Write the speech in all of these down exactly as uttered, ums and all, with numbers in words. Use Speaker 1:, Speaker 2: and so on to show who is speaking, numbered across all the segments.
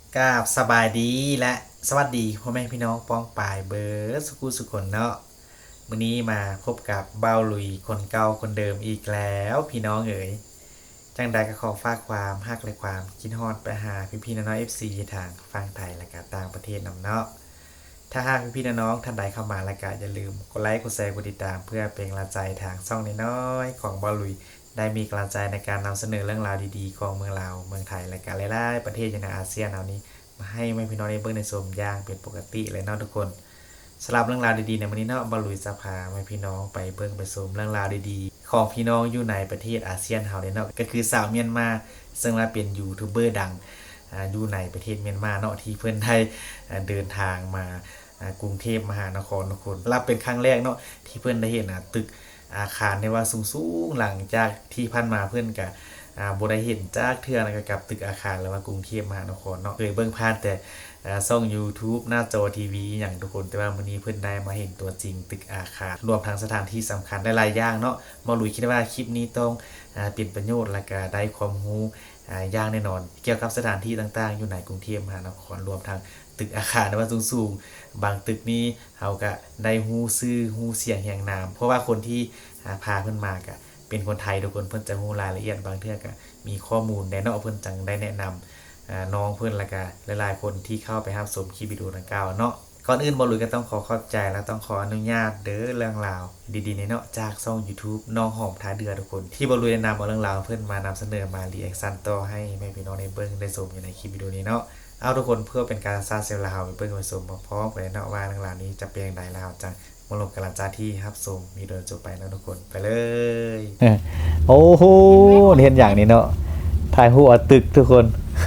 Speaker 1: กราบสบายดีและสวัสดีพ่อแม่พี่น้องป้องปายเบิร์ดสุกุสุขคนเนาะมื้อนี้มาพบกับเบ้าลุยคนเก่าคนเดิมอีกแล้วพี่น้องเอ๋ยจังใดก็ขอฝากความฮักและความคิดฮอดไปหาพี่พี่น้องๆ เอฟ ซี ทางฝั่งไทยและก็ต่างประเทศนำเนาะถ้าหากพี่พี่น้องๆท่านใดเข้ามาแล้วก็อย่าลืมกดไลค์กดแชร์กดติดตามเพื่อเป็นกำลังใจทางช่องน้อยๆของเบ้าลุยได้มีกำลังใจในการนำเสนอเรื่องราวดีๆของเมืองลาวเมืองไทยและก็หลายๆประเทศในอาเซียนเอานี้ มาให้แม่พี่น้องได้เบิ่งในชมอย่างเป็นปกติเลยเนาะทุกคนสำหรับเรื่องราวดีๆในวันนี้เนาะบอลลุยจะพาแม่พี่น้องไปเบิ่งไปชมเรื่องราวดีๆของพี่น้องอยู่ในประเทศอาเซียนเฮาเนาะก็คือสาวเมียนมาซึ่งว่าเป็นยูทูบเบอร์ดังอยู่ในประเทศเมียนมาเนาะที่เพิ่นได้เดินทางมากรุงเทพมหานครทุกคนรับเป็นครั้งแรกเนาะที่เพิ่นได้เห็นตึกอาคารที่ว่าสูงๆหลังจากที่ผ่านมาเพิ่นก็อ่าบ่ได้เห็นจากเทื่อนะกับตึกอาคารหรือว่ากรุงเทพมหานครเนาะเคยเบิ่งผ่านแต่อ่าช่อง YouTube หน้าจอทีวีอย่างทุกคนแต่ว่ามื้อนี้เพิ่นได้มาเห็นตัวจริงตึกอาคารรวมทั้งสถานที่สำคัญหลายๆอย่างเนาะบ่รู้คิดว่าคลิปนี้ต้องอ่าเป็นประโยชน์และก็ได้ความรู้อ่าอย่างแน่นอนเกี่ยวกับสถานที่ต่างๆอยู่ในกรุงเทพมหานครรวมทั้งตึกอาคารที่ว่าสูงๆบางตึกนี้เฮาก็ได้ฮู้ชื่อฮู้เสียงแห่งนามเพราะว่าคนที่อ่าพาเพิ่นมาก็เป็นคนไทยทุกคนเพิ่นจะรู้รายละเอียดบางเทื่อก็มีข้อมูลแน่เนาะเพิ่นจังได้แนะนำน้องเพิ่นและก็หลายๆคนที่เข้าไปรับชมคลิปวิดีโอดังกล่าวเนาะก่อนอื่นบ่ลุยก็ต้องขอขอบใจและต้องขออนุญาตเด้อเรื่องราวดีๆในเนาะจากช่อง YouTube น้องหอมท้าเดือทุกคนที่บ่ลุยแนะนำเอาเรื่องราวเพิ่นมานำเสนอมารีแอคชั่นต่อให้แม่พี่น้องได้เบิ่งได้ชมอยู่ในคลิปวิดีโอนี้เนาะเอาทุกคนเพื่อเป็นการสร้างเซลล์ลาวไปเบิ่งไปชมพร้อมๆกันเนาะว่าเรื่องราวนี้จะเป็นอย่างไรแล้วจังมาลงกันหลังจากที่รับชมมีโดยจบไปนะทุกคนไปเลยโอ้โหเห็นอย่างนี้เนาะถ่ายหัวตึกทุกคน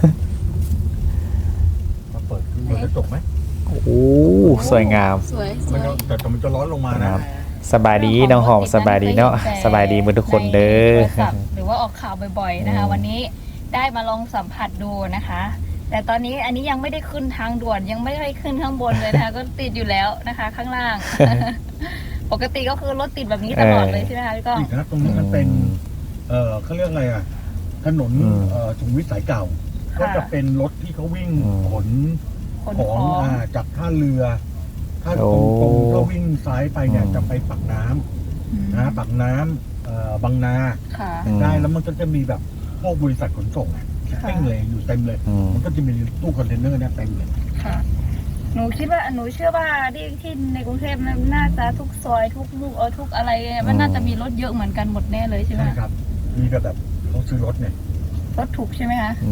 Speaker 2: มาเปิดเปิดกระจกไหม
Speaker 1: โอ้สวยงาม
Speaker 3: สวยส
Speaker 2: มัน
Speaker 3: วย
Speaker 2: จะแต่มันจะร้อนลงมานะ
Speaker 1: สบายดีน้องหอมสบายดีเนาะสบายดีมือทุกคนเด้อ
Speaker 3: หรือว่าออกข่าวบ่อยๆนะคะวันนี้ได้มาลองสัมผัสดูนะคะ แต่ตอนนี้อันนี้ยังไม่ได้ขึ้นทางด่วนยังไม่ได้ขึ้นข้างบนเลยนะคะ ก็ติดอยู่แล้วนะคะ ข้างล่าง ปกติก็คือรถติดแบบนี้ตลอดเลยใช่ไหมคะพี่ก้อง
Speaker 2: อีกนะตรงนี้มันเป็น เอ่อเขาเรียกอะไรอ่ะถนนเอ่อสุขุมวิทสายเก่า ก็จะเป็นรถที่เขาวิ่งขนของอ่าจากท่าเรือ ถ้าตรงตรงถ้าวิ่งซ้ายไปเนี่ยจะไปปากน้ำนะปากน้ำเอ่อบางนาได้แล้วมันก็จะมีแบบพวกบริษัทขนส่งอ่ะเต็มเลยอยู่เต็มเลย มันก็จะมีตู้คอนเทนเนอร์เนี่ยเต็มเลย
Speaker 3: ค่ะหนูคิดว่าหนูเชื่อว่าที่ที่ในกรุงเทพมันน่าจะทุกซอยทุกลูกเออทุกอะไรมันน่าจะมีรถเยอะเหมือนกันหมดแน่เลยใช่ไหม
Speaker 2: ใช่ครับมีแบบแบบเขาซื้อรถเนี่ย
Speaker 3: รถถูกใช่ไหมคะ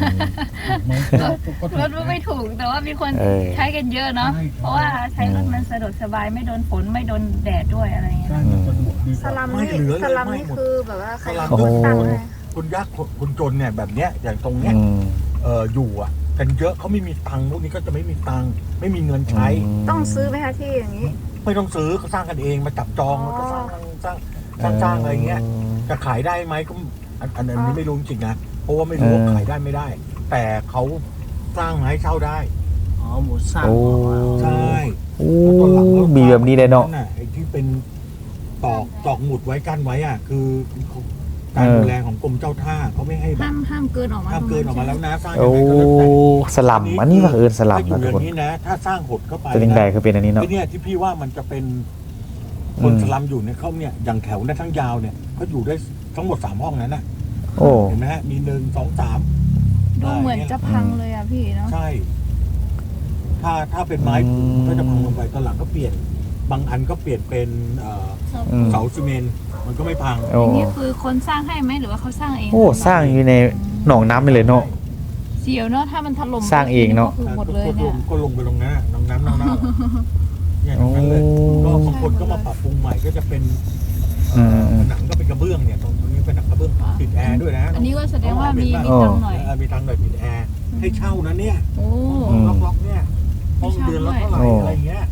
Speaker 3: รถไม่ถูกแต่ว่ามีคนใช้กันเยอะเนาะเพราะว่าใช้รถมันสะดวกสบายไม่โดนฝนไม่โดนแดดด้วยอะไรเงี้ย
Speaker 4: สลัมนี่สลัมนี่คือแบบว่าใคร
Speaker 2: ตั้งเลยคุณยากคุณจนเนี่ยแบบเนี้ยอย่างตรงเนี้ยเอออยู่อ่ะกันเยอะเขาไม่มีตังค์พวกนี้ก็จะไม่มีตังค์ไม่มีเงินใช้
Speaker 4: ต้องซื้อไหมคะที่อย่างนี้
Speaker 2: ไม่ต้องซื้อเขาสร้างกันเองมาจับจองแล้วก็สร้างสร้างสร้างสร้างอะไรเงี้ยจะขายได้ไหมก็อันนี้ไม่รู้จริงนะเพราะว่าไม่รู้ว่าขายได้ไม่ได้ แต่เขาสร้างให้เช่าได้
Speaker 5: อ๋อหมูสร้าง
Speaker 2: ใช่
Speaker 1: โอ้มีแบบนี้เลยเนาะ
Speaker 2: ไอ้ที่เป็นตอกตอกหมุดไว้กั้นไว้อ่ะคือการดูแลของกรมเจ้าท่าเขาไม่ให้
Speaker 3: ห้ามห้ามเกินออกมา
Speaker 2: ห้ามเกินออกมาแล้วนะสร้าง
Speaker 1: โอ้สลัมอันนี้ว่าเอินสลัมนะทุกคน
Speaker 2: นี้นะถ้าสร้างหดเข้าไป
Speaker 1: จะยังไงก็เป็นอันนี้เนาะ
Speaker 2: ที่เนี่ยที่พี่ว่ามันจะเป็นคนสลัมอยู่เนี่ยเขาเนี่ยอย่างแถวเนี่ยทั้งยาวเนี่ยเขาอยู่ได้ทั้งหมดสามห้องนั้นนะ
Speaker 1: โอ้
Speaker 2: เห็นไหมฮะมีหนึ่งสองสาม
Speaker 3: ดูเหมือนจะพังเลยอ่ะพี่เนาะ
Speaker 2: ใช่ถ้าถ้าเป็นไม้ก็จะพังลงไปตอนหลังก็เปลี่ยนบางอันก็เปลี่ยนเป็นเสาซีเมนต์มันก็ไม่พัง
Speaker 3: อันนี้คือคนสร้างให้ไหมหรือว่าเขาสร้างเอง
Speaker 1: โอ้สร้างอยู่ในหนองน้ำไปเลยเนาะ
Speaker 3: เสียวเนาะถ้ามันถล่ม
Speaker 1: สร้างเองเนาะ
Speaker 3: คือหมดเลยเนี่ย
Speaker 2: ก็ลงไปตรงนั้นน้ำน้ำน้ำน้ำเนี่ยตรงนั้นเลยก็บางคนก็มาปรับปรุงใหม่ก็จะเป็นหนังก็เป็นกระเบื้องเนี่ยตรงนี้เป็นหนังกระเบื้องติดแอร์ด้วยนะ
Speaker 3: อันนี้ก็แสดงว่ามีมีตังหน่อย
Speaker 2: มีตังหน่อยติดแอร์ให้เช่านะเนี่ย
Speaker 3: โอ้
Speaker 2: ล็อกๆเนี่ยห้องเดือนละเท่าไหร่อะไรเงี้ย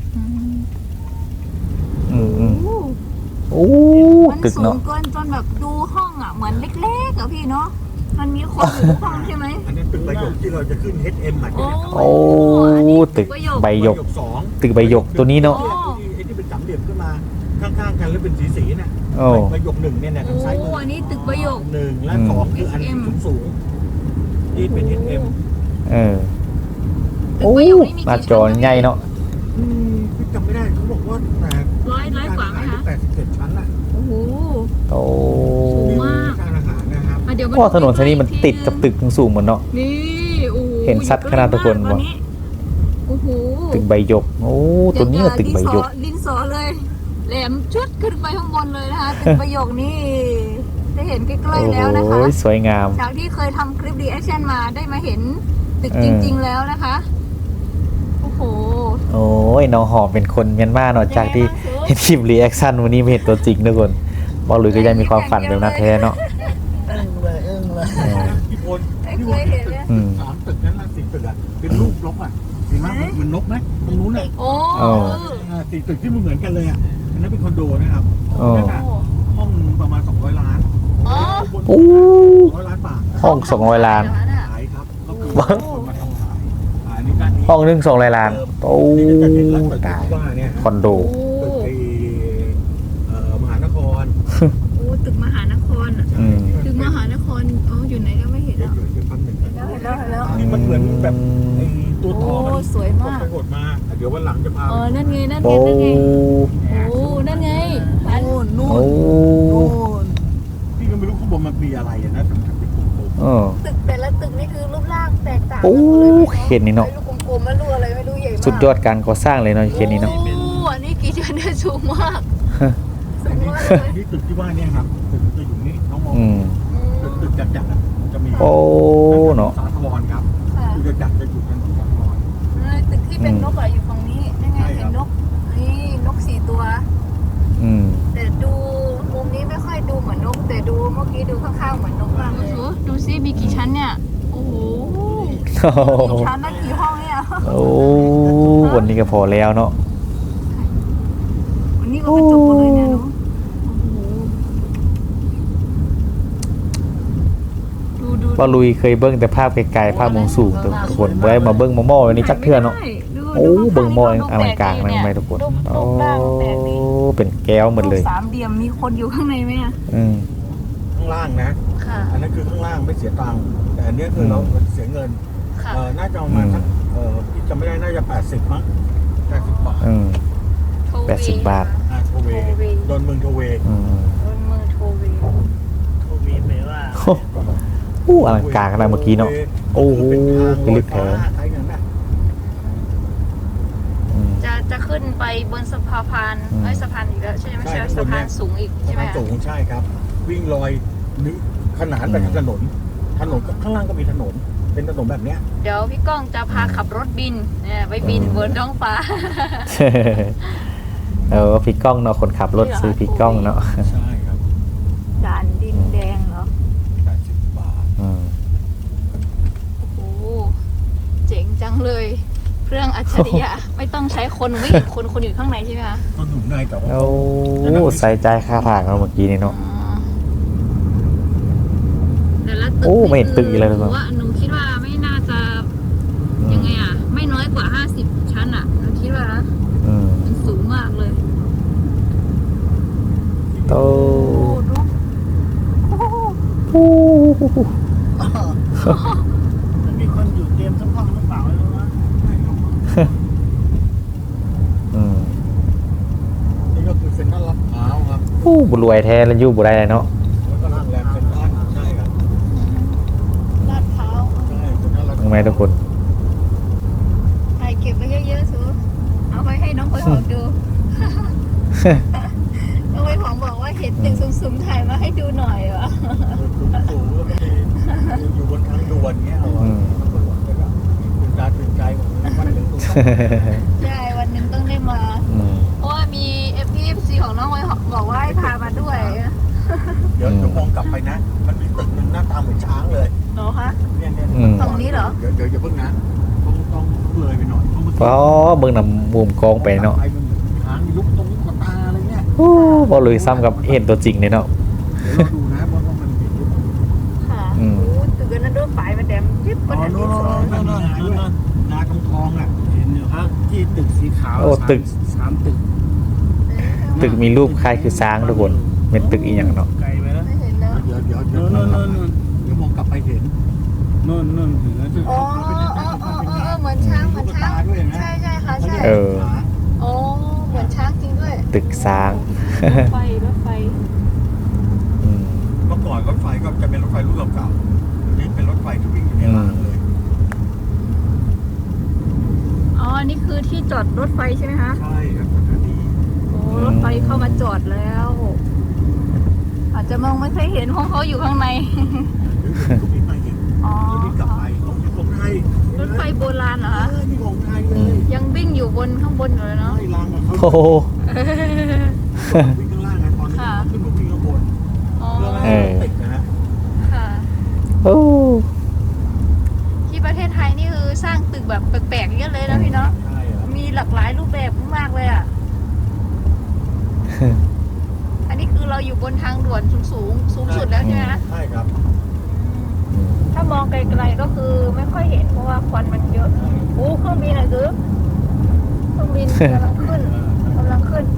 Speaker 1: อืมอืมโอ้
Speaker 4: ตึกเนาะมันสูงเกินจนแบบดูห้องอ่ะเหมือนเล็กๆอ่ะพี่เนาะมันมีคนอยู่ห้องใช่ไหม
Speaker 2: อันนี้ตึกใบหยกที่เราจะขึ้น เอช เอ็ม อ่ะ
Speaker 1: โอ้ตึกใบหยกตึกใบหยกตัวนี้เนาะ
Speaker 2: ไอ้ที่เป็นสามเหลี่ยมขึ้นมาข้างๆกันแล้วเป็นสีๆน่ะใบหยกหนึ่งเนี่ยเนี่ยทางซ้ายมือ
Speaker 3: อันนี้ตึกใบหยก
Speaker 2: หนึ่งและสองคืออันสูงๆที่เป็น เอช เอ็ม
Speaker 1: เออ
Speaker 3: ประโยคนี้มี
Speaker 1: หน้า
Speaker 3: กี่
Speaker 1: จอ
Speaker 3: ชั้น
Speaker 1: ใหญ่เนาะ
Speaker 2: อืมพี่จำไม่ได้เขาบอกว่าแต่
Speaker 3: ร้อยร้อยกว่าไหมคะ
Speaker 2: แปดสิบเจ็ดชั้นน่ะ
Speaker 3: โอ้โห
Speaker 1: โอ้
Speaker 3: สูงมาก
Speaker 2: การอาหารนะครับ
Speaker 3: อ่ะเดี๋ยวมา
Speaker 1: เพราะถนนเส้นนี้มัน
Speaker 3: อีกที
Speaker 1: ติดกับตึกสูงๆเหมือนเนาะ
Speaker 3: นี่โอ้โห
Speaker 1: เห็นชัดขนาดทุกคน
Speaker 3: อยู่
Speaker 1: วะ
Speaker 3: ใกล้มากโอ้โห
Speaker 1: ตึกใบหยกโอ้ตัวนี้ก็ตึกใบหยก
Speaker 4: ดินสอเลยแหลมชุดขึ้นไปข้างบนเลยนะคะตึกประโยคนี้ได้เห็นใกล้ๆแล้วนะคะ
Speaker 1: โอ้ยสวยงาม
Speaker 4: จากที่เคยทำคลิปรีแอคชั่นมาได้มาเห็นตึก
Speaker 1: เออ
Speaker 4: จริง ๆ แล้วนะคะ โอ้โห
Speaker 1: โอ้ยน้องหอมเป็นคนเมียนมาเนาะจากที่เห็นคลิปรีแอคชั่นวันนี้ไม่เห็นตัวจริงทุกคนบอกเลยก็ยังมีความฝันแบบนั้นแท้เนาะ
Speaker 2: อึ้งเลยอึ้งเลย
Speaker 1: เออ
Speaker 2: พี่พล
Speaker 4: ไม่
Speaker 2: พี่
Speaker 4: เค
Speaker 2: พล
Speaker 4: ยเห็นเลย
Speaker 1: อืม
Speaker 2: สามตึกนั้นนะสี่ตึกอ่ะเป็นรูปนกอ่ะเห็นไหมเหมือนนกไหมตรงนู้นอ่ะ
Speaker 4: โอ้
Speaker 1: โอ้
Speaker 2: อ่าสี่ตึกที่มันเหมือนกันเลยอ่ะอันนั้นเป็นคอนโดนะครับ
Speaker 1: โอ้
Speaker 2: นั่นน่ะห้องประมาณสองร้อยล้าน
Speaker 4: อ๋อ
Speaker 1: โอ้
Speaker 2: สองร้อยล้านบาท
Speaker 1: ห้องสองร้อยล้าน
Speaker 2: ขายครับก็คือคนมาทำขายขายในการนี้
Speaker 1: ห้องหนึงสองร้อยล้านโอ้
Speaker 2: นี่ก็จะเห็นรัฐตึก
Speaker 1: ตาย
Speaker 2: ที่ว่าเนี่ย
Speaker 1: คอนโด
Speaker 2: ตึกไอ้เอ่อมหานคร
Speaker 4: โอ้ตึกมหานครอะ
Speaker 1: อืม
Speaker 4: ตึกมหานครอ๋ออยู่ไหนก็ไม่เห็น
Speaker 2: เดี๋ย
Speaker 4: แล้ว ว
Speaker 2: เดี๋ยวแป๊บหนึ่ง
Speaker 4: เห็นแล้วเห็นแล้วเห็นแล้ว
Speaker 2: นี่มันเหมือนแบบไอ้ตัวทอมัน
Speaker 4: โอ้สวยมาก
Speaker 2: ไปหดมาเดี๋ยววันหลังจะพา
Speaker 4: อ๋อนั่นไงนั่น
Speaker 1: โอ้
Speaker 4: ไงนั่นไงโอ้นั่นไงอัน
Speaker 2: โน่นนู่น
Speaker 1: โอ้
Speaker 2: โน่นพี่ก็ไม่รู้ข้างบนมันมีอะไรอะนะแต่มันเป็นกลม
Speaker 1: เออ
Speaker 4: ตึกแต่ละตึกนี่คือรูปร่างแตกต่าง
Speaker 1: โอ้
Speaker 4: กันหมดเลย
Speaker 1: เห็นนี่เนาะ
Speaker 4: ไอ้ลูกกลมๆไม่รู้อะไรไม่รู้ใหญ่มาก
Speaker 1: สุดยอดการก่อสร้างเลยเนาะเคสนี้เนาะ
Speaker 4: โอ้อันนี้กี่ชั้นเนี่ยสูงมาก
Speaker 2: ๆ
Speaker 4: สูงมากเลย
Speaker 2: นี่ตึกที่ว่าเนี่ยครับตึกตึกอยู่นี่น้องมอง
Speaker 1: อืม
Speaker 2: ตึกตึกจัดจัดๆอะมันจะมี
Speaker 1: โอ้เนาะ
Speaker 2: สาธรครับ
Speaker 4: ค่ะ
Speaker 2: ตึกจัดๆจะอยู่กันสาธร
Speaker 4: ตึกที่เป็นนกอะอยู่ฝั่งนี้นั่นไง
Speaker 2: ใช่ครั
Speaker 4: เห็
Speaker 2: บ
Speaker 4: นนกนี่นกสี่ตัว
Speaker 1: อืม
Speaker 4: แต่ดูมุมนี้ไม่ค่อยดูเหมือนนก แต่ดูเมื่อกี้ดูข้างๆเหมือนนกมากเลยดูซิมีกี่ชั้นเนี่ยโอ้โห
Speaker 1: โอ้โห
Speaker 4: กี่ชั้นนะกี่ห้องเนี่ย
Speaker 1: โอ้วันนี้ก็พอแล้วเนาะ
Speaker 4: วันนี้ก็กระจกหมดเลยเนี่ยเนาะโอ้โหดูดู
Speaker 1: ว่าลุยเคยเบิ้งแต่ภาพไกลๆภาพมุมสูงทุกคนไว้มาเบิ้งมอมอวันนี้จักเทื่อเนาะ
Speaker 4: ดู
Speaker 1: โอ้
Speaker 4: ดู
Speaker 1: เบิ้งมอ
Speaker 4: ดู
Speaker 1: อลังการนะไหมทุกคน
Speaker 4: รูป
Speaker 1: โอ้
Speaker 4: รูปร่างแปลกดี
Speaker 1: เป็นแก้วหมดเลย
Speaker 4: รูปสามเหลี่ยมมีคนอยู่ข้างในไหมอะ
Speaker 1: อืม
Speaker 2: ข้างล่างนะ
Speaker 4: ค่ะ
Speaker 2: อันนั้นคือข้างล่างไม่เสียตังค์แต่อันเนี้ยคือเราเสียเงิน
Speaker 4: ค่ะ
Speaker 2: เออน่าจะประมาณสักเออพี่จำไม่ได้น่าจะแปดสิบมั้งแปดสิบบาท
Speaker 1: อืม
Speaker 4: โทเว
Speaker 1: แปดสิบบาท
Speaker 2: อ่าโทเว
Speaker 4: โทเว
Speaker 2: โดนเมืองโทเว
Speaker 1: อืม
Speaker 4: บนมือโทเว
Speaker 2: โทเวแปลว่า
Speaker 1: โอ้โอ้อลังการขนาดเมื่อกี้เนาะ โอ้โห
Speaker 2: เป็นทาง
Speaker 1: ลึกแท้
Speaker 2: รถไฟฟ้าใช้เงินนะ
Speaker 1: อืม
Speaker 3: จะจะขึ้นไปบนสะพาน
Speaker 1: อืม
Speaker 3: เอ้ยสะพานอีกแล้วใช่ไหมไม่ใช่สะพานสูงอีกใช่ไหม
Speaker 2: สะพานสูงใช่ครับ วิ่งลอยนึกขนานไปกับถนน ถนนข้างล่างก็มีถนน เป็นถนนแบบเนี้ย
Speaker 3: เดี๋ยวพี่ก้องจะพาขับรถบินเนี่ยไปบินบนท้องฟ้า
Speaker 1: เออพี่ก้องเนาะคนขับรถซื้อพี่ก้องเนาะ
Speaker 2: ใช่ครับ
Speaker 4: ด่านดินแดงเหรอ
Speaker 2: แปดสิบบาท
Speaker 1: อืม
Speaker 3: โอ้โหเจ๋งจังเลย เครื่องอัจฉริยะ ไม่ต้องใช้คนวิ่งคนคนอยู่ข้างในใช่ไหมคะ
Speaker 2: ก็หนุนในแต่ว่า
Speaker 1: โอ้ใส่ใจค่าผ่านเราเมื่อกี้นี่เนาะ
Speaker 3: อ๋อแต่ละตึก
Speaker 1: โอ้ไม่เห็นตึกอีกเลย
Speaker 3: ห
Speaker 1: หรือเป
Speaker 3: นู
Speaker 1: ล่า
Speaker 3: ว่าหนูคิดว่าไม่น่าจะ
Speaker 1: อื
Speaker 3: ยั
Speaker 1: ม
Speaker 3: งไงอ่ะ ไม่น้อยกว่าห้าสิบชั้นอ่ะหนูคิดว่านะ
Speaker 1: อืม
Speaker 3: มันสูงมากเลย
Speaker 1: โต
Speaker 4: โอ้ดูโอ้
Speaker 2: มันมีคนอยู่เตรียมสักห้องหรือเปล่าไม่รู้นะไม่รู้
Speaker 1: อืม
Speaker 2: นี่ก็คือเซ็นทรัลลาดพร้าวครับ
Speaker 1: โอ้บุรวยแท้แล้วอยู่บุได้เลยเนาะ
Speaker 2: แล้วก็โรงแรมเซ็นทรัลใช่ครับ
Speaker 4: ลาดพร้าว
Speaker 2: ใช่เซ็นทรัลลาดพ
Speaker 1: ทำ
Speaker 2: ร้าว
Speaker 1: ไมทุกคน
Speaker 4: ถ่ายเก็บไว้เยอะๆสูเอาไปให้น้องพลอยหอมดู น้องพลอยหอมบอกว่าเห็นตึกสูงๆถ่ายมาให้ดูหน่อยวะ
Speaker 2: สูงๆแล้วก็มีอยู่บนทางด่วนเงี้ยเอาอะ
Speaker 1: อืม
Speaker 2: ตำรวจก็แบบตื่นตาตื่นใจหมดเลยวันหนึ่งต้อง
Speaker 4: ใช่วันหนึ่งต้องได้มา
Speaker 1: อืม
Speaker 3: เพราะว่ามีเอฟพีเอฟซีของน้องไว้หอม
Speaker 4: บอกว่าให้พามาด้วย
Speaker 2: เดี๋ยวจะมองกลับไปนะ มันมีตึกหนึ่งหน้าตาเหมือนช้างเลย
Speaker 4: เหรอคะ
Speaker 2: เนี่ยเนี่ย
Speaker 1: อืม
Speaker 4: ตรงนี้เหรอ
Speaker 2: เดี๋ยวเดี๋ยวอย่าเพิ่งนะต้องต้องเลยไปหน่อยเพราะมัน
Speaker 1: เพราะเบิ่งนำมุมกองไปเนาะ
Speaker 2: ไปมันเหมือนช้างมีลูกตรงลูกตาอะไรเงี้ย
Speaker 1: โอ้บ่เลยซ้ำกับเห็นตัวจริงเลยเนาะ
Speaker 2: เดี๋ยวเราดูนะว่าว่ามันมีรูป
Speaker 4: ค่ะ
Speaker 1: อืม
Speaker 4: โอ้ตึกนั้นด้วยปลายมาแดมจิ๊บ
Speaker 2: อ๋
Speaker 4: มั
Speaker 2: อน
Speaker 4: อัน
Speaker 2: โน่
Speaker 4: ที่
Speaker 2: น
Speaker 4: สอง
Speaker 2: โน่นโน่นโน่นนาทองทองอ่ะเห็นอยู่ครับที่ตึกสีขาว
Speaker 1: โอ้ตึก
Speaker 2: สามตึก
Speaker 1: ตึกมีรูปคล้ายคือช้างทุกคน เป็นตึกอีหยังเนาะ
Speaker 2: ไกลไปแล้ว
Speaker 4: ไม่เห็นแล้ว
Speaker 2: เดี๋ยวเดี๋ยวเดี๋ยวเดี๋ยวเดี๋ยวมองกลับไปเห็นนู่นนู่นถึงแล้วจะ
Speaker 4: อ๋ออ๋ออ๋ออ๋อเหมือนช้างเหมือนช้าง
Speaker 1: เออ
Speaker 4: โอ้เหมือนช้างจริงด้วย
Speaker 1: ตึกสร้าง
Speaker 3: รถไฟรถไฟ
Speaker 1: อืม
Speaker 2: เมื่อก่อนรถไฟก็จะเป็นรถไฟรุ่นเก่าๆนี่เป็นรถไฟที่วิ่งอยู่ในรางเลย
Speaker 3: อ๋ออันนี้คือที่จอดรถไฟใช่ไหมคะ
Speaker 2: ใช่ครับสถานี
Speaker 3: โอ้รถไฟเข้ามาจอดแล้ว อาจจะมองไม่ค่อยเห็นเพราะเขาอยู่ข้างใน
Speaker 2: ก็วิ่งไปเห็น
Speaker 3: อ๋อ
Speaker 2: แล้ววิ่งกลับไปของของไทย
Speaker 3: รถไฟโบราณเหรอ
Speaker 2: เอ
Speaker 3: คะ
Speaker 2: อนี่ของไทยเลย
Speaker 3: ยังวิ่งอยู่บนข้างบนอยู่เลยเนาะ
Speaker 2: ไอ้รางอะเขา
Speaker 1: โอ้โห
Speaker 2: วิ่งข้างล่างไงตอนนี้
Speaker 3: ค่ะ
Speaker 2: ขึ้นมาวิ่งข้างบน
Speaker 3: อ๋อ
Speaker 2: เพื่อไม่
Speaker 1: เอ
Speaker 2: ให้
Speaker 1: อ
Speaker 2: ติดนะฮะ
Speaker 3: ค่ะ
Speaker 1: โอ้
Speaker 3: ที่ประเทศไทยนี่คือสร้างตึกแบบแปลกๆเยอะเลยนะพี่เนาะ
Speaker 2: ใช่ครับ
Speaker 3: มีหลากหลายรูปแบบมากเลยอ่ะ อันนี้คือเราอยู่บนทางด่วนสูงสูงๆสูงสุดแล้วใช่ไหมคะ
Speaker 2: ใช่ครับ
Speaker 3: ถ้ามองไกลๆก็คือไม่ค่อยเห็นเพราะว่าควันมันเยอะโอ้เครื่องบินอะคือเครื่องบินกำลังขึ้นกำลังขึ้น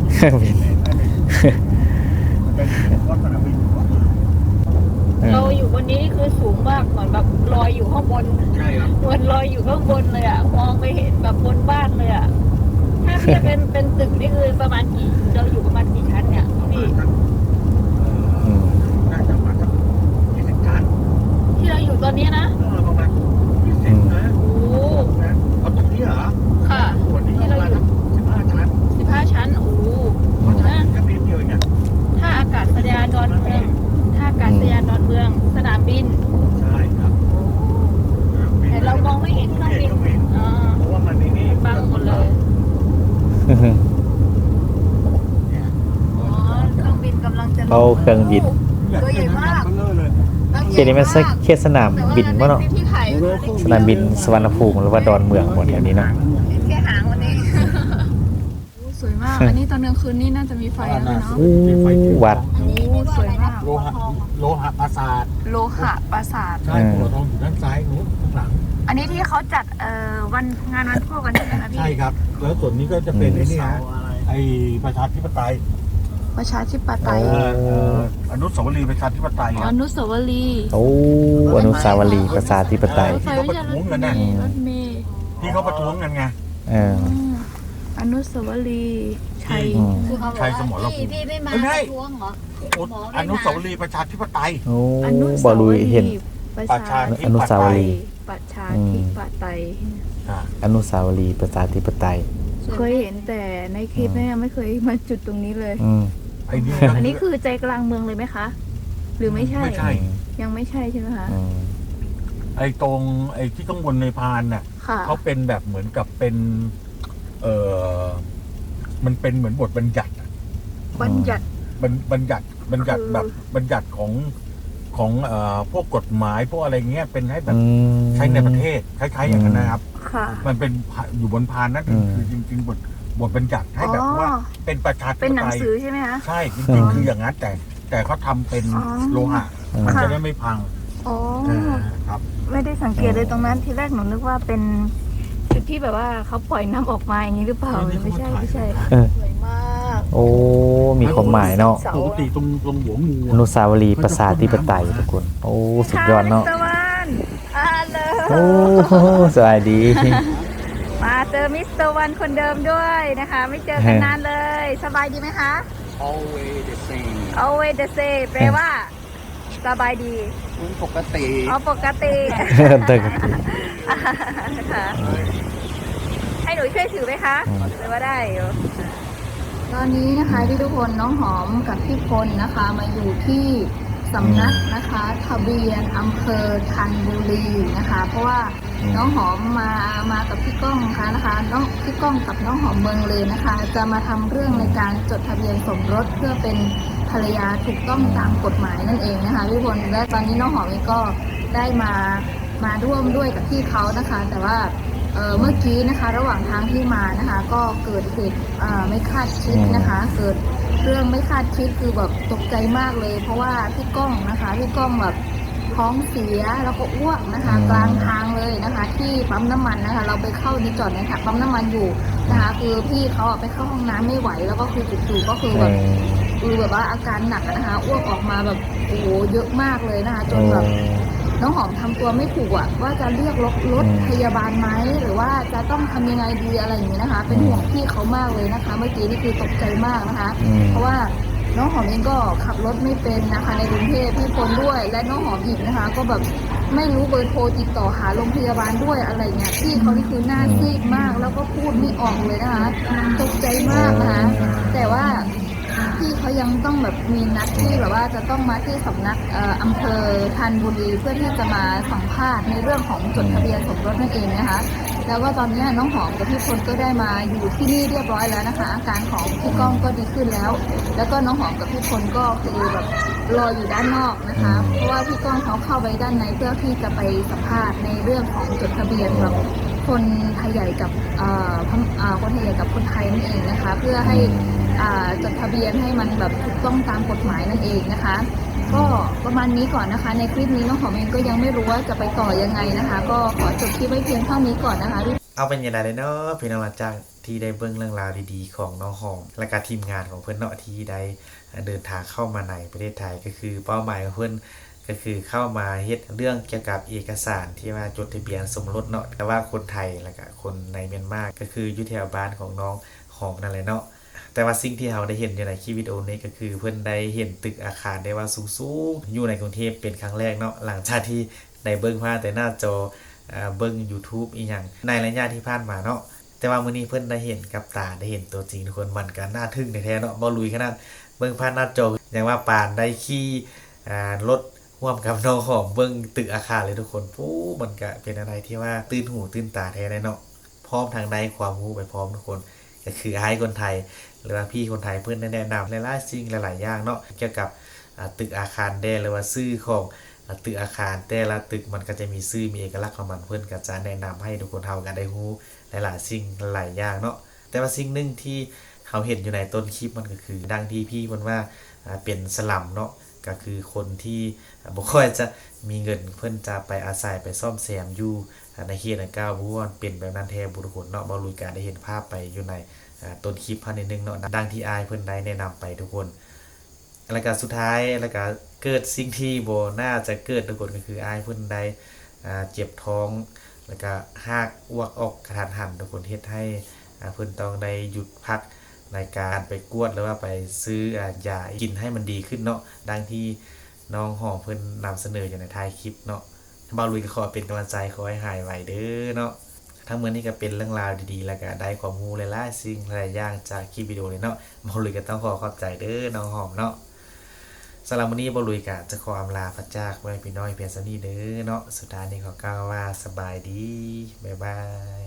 Speaker 2: เป็นวัดสนามบิน
Speaker 3: เราอยู่บนนี้นี่คือสูงมากเหมือนแบบลอยอยู่ข้างบน
Speaker 2: ใช่ครับ
Speaker 3: เหมือนลอยอยู่ข้างบนเลยอ่ะมองไปเห็นแบบบนบ้านเลยอ่ะถ้าเทียบเป็นเป็นตึกนี่คือประมาณกี่เราอยู่ประมาณกี่ชั้นเนี่ยพี่
Speaker 1: อืม
Speaker 2: น่าจะมาสักยี่สิบชั้น
Speaker 3: ที่เราอยู่ตอนนี้นะ
Speaker 2: เออประมาณยี่สิบนะ
Speaker 3: โอ้
Speaker 2: เอาตรงนี้เหรอ
Speaker 3: ค่ะ
Speaker 2: ส่วนนี้ประมาณสักสิบห้าชั้น
Speaker 3: สิบห้าชั้นโอ้
Speaker 2: เพราะฉะนั้
Speaker 3: นะ
Speaker 2: นแค่นิดเดียวเองเนี่ย
Speaker 3: ถ้าอากาศยานดอนเมืองถ้าอากาศยานดอนเมืองสนามบิน
Speaker 2: ใช่ครับ
Speaker 3: แต่เรามองไม่เห็นเครื่องบิน
Speaker 2: ไม่เห็นเครื่องบิน
Speaker 3: อ่า
Speaker 2: เพราะว่ามันในนี่
Speaker 3: บังหมดเลย
Speaker 2: เนี่ย
Speaker 3: อ๋อเครื่องบินกำลังจะลง
Speaker 1: เอาเครื่องบิน
Speaker 3: ตัวใหญ่มาก
Speaker 2: เบลอเลย
Speaker 1: เขตนี้มันเขตสนามบินป่ะเนาะ
Speaker 3: ที่ถ่าย
Speaker 1: สนามบินสวรรณภูมิหรือว่าดอนเมืองหมดแถวนี้เนาะ
Speaker 3: แค่หางวันนี้โอ้สวยมาก อันนี้ตอนกลางคืนนี่น่าจะมีไฟนะพี่เนาะ
Speaker 1: อู้วัด
Speaker 3: โอ้สวยมาก
Speaker 2: โลหะโลหะปราสาท
Speaker 3: โลหะปราสาท
Speaker 2: ใช่หัวทองอยู่ด้านซ้ายนู้นข้างหลัง
Speaker 3: อันนี้ที่เขาจัดเอ่อวันงานวันพ่อกันใช่ไหมคะพี่
Speaker 2: ใช่ครับ แล้วส่วนนี้ก็จะเป็นไอ้นี่ฮะไอ้ประชาธิปไตย
Speaker 3: ประชาธิปไต
Speaker 2: เอย อเอ่ออนุสาวรีย์ประชาธิปไตยค
Speaker 3: อ
Speaker 2: รับ
Speaker 3: นุสาวรีย์
Speaker 1: โอ้อนุสาวรีย์ประชาธิปไตย
Speaker 3: รถไฟไม่ใช่รถเมล์รถเมล์
Speaker 2: ที่เขาประท้วงกันไง
Speaker 1: เออ
Speaker 3: อืมอนุสาวรีย์ชัย
Speaker 1: อืม
Speaker 4: คือเขาบอก
Speaker 2: ชัยสมร
Speaker 4: ว่า
Speaker 2: ภูมิ
Speaker 4: พี่พี่ไม่มา
Speaker 2: ไม่ใช่
Speaker 4: ประท้วงเหรอ
Speaker 2: อนุสาวรีย์ประชาธิปไตย
Speaker 1: โอ้
Speaker 3: อนุ
Speaker 1: บอลุยเห็น
Speaker 3: ประชา
Speaker 1: อนุสาวรีย์
Speaker 3: ประชาธิปไตย
Speaker 2: อ่า
Speaker 1: อนุสาวรีย์ประชาธิปไตย
Speaker 3: เคยเห็นแต่ในคลิปเนี่ยไม่เคยมาจุดตรงนี้เลย
Speaker 1: อืม
Speaker 2: ไอ้นี่
Speaker 3: อันนี้คือใจกลางเมืองเลยไหมคะ หรือไม่ใช่
Speaker 2: ไม่ใช่
Speaker 3: ยังไม่ใช่ใช่ไหมคะ
Speaker 1: อืม
Speaker 2: ไอ้ตรงไอ้ที่ข้างบนในพานน่ะ
Speaker 3: ค่ะ
Speaker 2: เขาเป็นแบบเหมือนกับเป็น เออมันเป็นเหมือนบทบัญญัติอะ
Speaker 3: บัญญัติ
Speaker 2: บัญบัญญัติบัญญัติ
Speaker 3: คือ
Speaker 2: แบบบัญญัติของของเอ่อพวกกฎหมายพวกอะไรเงี้ยเป็นให้แบบ
Speaker 1: อืม
Speaker 2: ใช้ในประเทศคล้ายๆอย่างนั้นนะครับ
Speaker 3: ค่ะ
Speaker 2: มันเป็นอยู่บนพานนั่น
Speaker 1: อืม
Speaker 2: คือจริงๆบทบทบัญญัติให้แบบ
Speaker 3: อ๋อ
Speaker 2: ว่าเป็นประชาธิ
Speaker 3: เป็น
Speaker 2: ป
Speaker 3: หนั
Speaker 2: ไต
Speaker 3: ง
Speaker 2: ย
Speaker 3: สือใช่ไหมคะ
Speaker 2: ใช่จริงๆคืออย่างนั้นแต่แต่เขาทำเป็น
Speaker 3: อ๋อ
Speaker 2: โลหะ
Speaker 1: อืม
Speaker 2: มัน
Speaker 3: ค่ะ
Speaker 2: จะได้ไม่พัง
Speaker 3: อ๋อ
Speaker 2: อ่าครับ
Speaker 3: ไม่ได้สังเกตเลยตรงนั้นทีแรกหนูนึกว่าเป็นจุดที่แบบว่าเขาปล่อยน้ำออกมาอย่างนี้หรือเปล่า
Speaker 2: นี่
Speaker 3: ไม่ใช่
Speaker 2: เขาถ่าย
Speaker 3: ไม่ใช่
Speaker 1: เออ
Speaker 3: สวยมาก
Speaker 1: โอ้ มีความหมายเนาะ
Speaker 2: ปกติตรงตรงหัวงู
Speaker 1: อนุสาวรีย์ประชาธิปไตยทุกคน โอ้ สุดยอดเนาะ
Speaker 3: มิสตอร์วันอ่าเลย
Speaker 1: โอ้สวัสดี
Speaker 3: มาเจอมิสเตอร์วันคนเดิมด้วยนะคะ ไม่เจอกันนานเลย สบายดีไหมคะ
Speaker 5: always the same
Speaker 3: always the same แปลว่า สบายดี
Speaker 5: คุณปกติ
Speaker 3: อ๋อปกติ
Speaker 1: เติม
Speaker 3: ค่ะให้หนูช่วยถือไหมคะ
Speaker 1: อืม
Speaker 3: หรือว่าได้อยู่ตอนนี้นะคะที่ทุกคนน้องหอมกับพี่พลนะคะ มาอยู่ที่สำนักนะคะทะเบียนอำเภอธัญบุรีนะคะ เพราะว่าน้องหอมมามากับพี่ก้องค่ะนะคะน้องพี่ก้องกับน้องหอมเมืองเลยนะคะ จะมาทำเรื่องในการจดทะเบียนสมรสเพื่อเป็นภรรยาถูกต้องตามกฎหมายนั่นเองนะคะพี่พลและตอนนี้น้องหอมเองก็ได้มามาร่วมด้วยกับพี่เขานะคะ แต่ว่าเอ่อเมื่อกี้นะคะระหว่างทางที่มานะคะ ก็เกิดเหตุอ่าไม่คาดคิดนะคะ เกิดเรื่องไม่คาดคิดคือแบบตกใจมากเลย เพราะว่าพี่ก้องนะคะพี่ก้องแบบท้องเสียแล้วก็อ้วกนะคะ
Speaker 1: อืม
Speaker 3: กลางทางเลยนะคะ ที่ปั๊มน้ำมันนะคะ เราไปเข้าในจอดในถังปั๊มน้ำมันอยู่นะคะ คือพี่เขาอะไปเข้าห้องน้ำไม่ไหว แล้วก็คือจู่ๆก็คือ
Speaker 1: เอ
Speaker 3: แบบ
Speaker 1: อ
Speaker 3: คือแบบว่าอาการหนักอะนะคะอ้วกออกมาแบบโอ้โหเยอะมากเลยนะคะ จ
Speaker 1: โอ้
Speaker 3: นแบบน้องหอมทำตัวไม่ถูกอะว่าจะเรียกรถรถพยาบาลไหมหรือว่าจะต้องทำยังไงดีอะไรอย่างนี้นะคะ เป็นห่วงพี่เขามากเลยนะคะ เมื่อกี้นี่คือตกใจมากนะคะ เพราะว่าน้องหอมเองก็ขับรถไม่เป็นนะคะในกรุงเทพพี่พลด้วยและน้องหอมอีกนะคะ ก็แบบไม่รู้เบอร์โทรติดต่อหาโรงพยาบาลด้วยอะไรเงี้ยพี่เขานี่คือหน้าซีดมากแล้วก็พูดไม่ออกเลยนะคะตกใจมากนะคะแต่ว่าพี่เขายังต้องแบบมีนัดที่แบบว่าจะต้องมาที่สำนักเอ่ออำเภอธัญบุรีเพื่อที่จะมาสัมภาษณ์ในเรื่องของจดทะเบียนสมรสนั่นเองนะคะแล้วก็ตอนนี้น้องหอมกับพี่พลก็ได้มาอยู่ที่นี่เรียบร้อยแล้วนะคะอาการของพี่ก้องก็ดีขึ้นแล้ว แล้วก็น้องหอมกับพี่พลก็คือแบบรออยู่ด้านนอกนะคะ เพราะว่าพี่ก้องเขาเข้าไปด้านในเพื่อที่จะไปสัมภาษณ์ในเรื่องของจดทะเบียนแบบคนไทยใหญ่กับเอ่อพม่าอ่าคนไทยใหญ่กับคนไทยนั่นเองนะคะ เพื่อให้อ่าจดทะเบียนให้มันแบบถูกต้องตามกฎหมายนั่นเองนะคะ ก็ประมาณนี้ก่อนนะคะ ในคลิปนี้น้องหอมเองก็ยังไม่รู้ว่าจะไปต่อยังไงนะคะ ก็ขอจบคลิปไว้เพียงเท่านี้ก่อนนะคะ
Speaker 1: เอาเป็นยังไงเลยเนาะพี่น้องหลังจากที่ได้เบิ่งเรื่องราวดีๆของน้องหอมและการทีมงานของเพื่อนเนาะที่ได้เดินทางเข้ามาในประเทศไทยก็คือเป้าหมายของเพื่อนก็คือเข้ามาเฮ็ดเรื่องเกี่ยวกับเอกสารที่ว่าจดทะเบียนสมรสเนาะแต่ว่าคนไทยและก็คนในเมียนมาก็คืออยู่แถวบ้านของน้องหอมนั่นแหละเนาะแต่ว่าสิ่งที่เราได้เห็นอยู่ในคลิปวิดีโอนี้ก็คือเพื่อนได้เห็นตึกอาคารได้ว่าสูงๆอยู่ในกรุงเทพเป็นครั้งแรกเนาะหลังจากที่ได้เบิ่งผ่านแต่หน้าจอเบิ่ง YouTube อีหยังในระยะที่ผ่านมาเนาะแต่ว่ามื้อนี้เพิ่นได้เห็นกับตาได้เห็นตัวจริงทุกคนมันก็น่าทึ่งแท้ๆเนาะบ่ลุยขนาดเบิ่งผ่านหน้าจออย่างว่าปานได้ขี่อ่ารถร่วมกับน้องหอมเบิ่งตึกอาคารเลยทุกคนปู้มันก็เป็นอะไรที่ว่าตื่นหูตื่นตาแท้เลยเนาะพร้อมทางได้ความรู้ไปพร้อมทุกคนก็คืออ้ายคนไทยหรือว่าพี่คนไทยเพิ่นได้แนะนำหลายๆสิ่งหลายๆอย่างเนาะเกี่ยวกับตึกอาคารแดหรือว่าชื่อของตึกอาคารแต่ละตึกมันก็จะมีชื่อมีเอกลักษณ์ของมันเพิ่นก็จะแนะนำให้ทุกคนเฮากันได้รู้หลายๆสิ่งหลายอย่างเนาะแต่ว่าสิ่งหนึ่งที่เขาเห็นอยู่ในต้นคลิปมันก็คือดังที่พี่เพิ่นว่าเป็นสลัมเนาะก็คือคนที่บ่ค่อยจะมีเงินเพิ่นจะไปอาศัยไปซ่อมแซมอยู่ในเขตดังกล่าวบ่ว่าเป็นแบบนั้นแท้บ่ทุกคนเนาะบ่รู้การได้เห็นภาพไปอยู่ในต้นคลิปพันนิดนึงเนาะดังที่อายเพิ่นได้แนะนำไปทุกคนแล้วก็สุดท้ายแล้วก็เกิดสิ่งที่บ่น่าจะเกิดทุกคนก็คืออายเพิ่นได้อ่าเจ็บท้องแล้วก็หากอ้วกออกกระทันหันทุกคนเฮ็ดให้เพิ่นต้องได้หยุดพักในการไปกวดหรือว่าไปซื้อยากินให้มันดีขึ้นเนาะดังที่น้องหอมเพิ่นนำเสนออยู่ในท้ายคลิปเนาะบ่าวลุยก็ขอเป็นกำลังใจขอให้หายไวเด้อเนาะทั้งหมดนี้ก็เป็นเรื่องราวดีๆแล้วก็ได้ความรู้หลายๆสิ่งหลายอย่างจากคลิปวิดีโอนี้เนาะบ่าวลุยก็ต้องขอขอบใจเด้อน้องหอมเนาะสำหรับวันนี้บ่าวลุยก็จะขออำลาพระจากไว้พี่น้อยเพียงเท่านี้เด้อเนาะสุดท้ายนี้ขอกล่าวว่าสบายดีบ๊ายบาย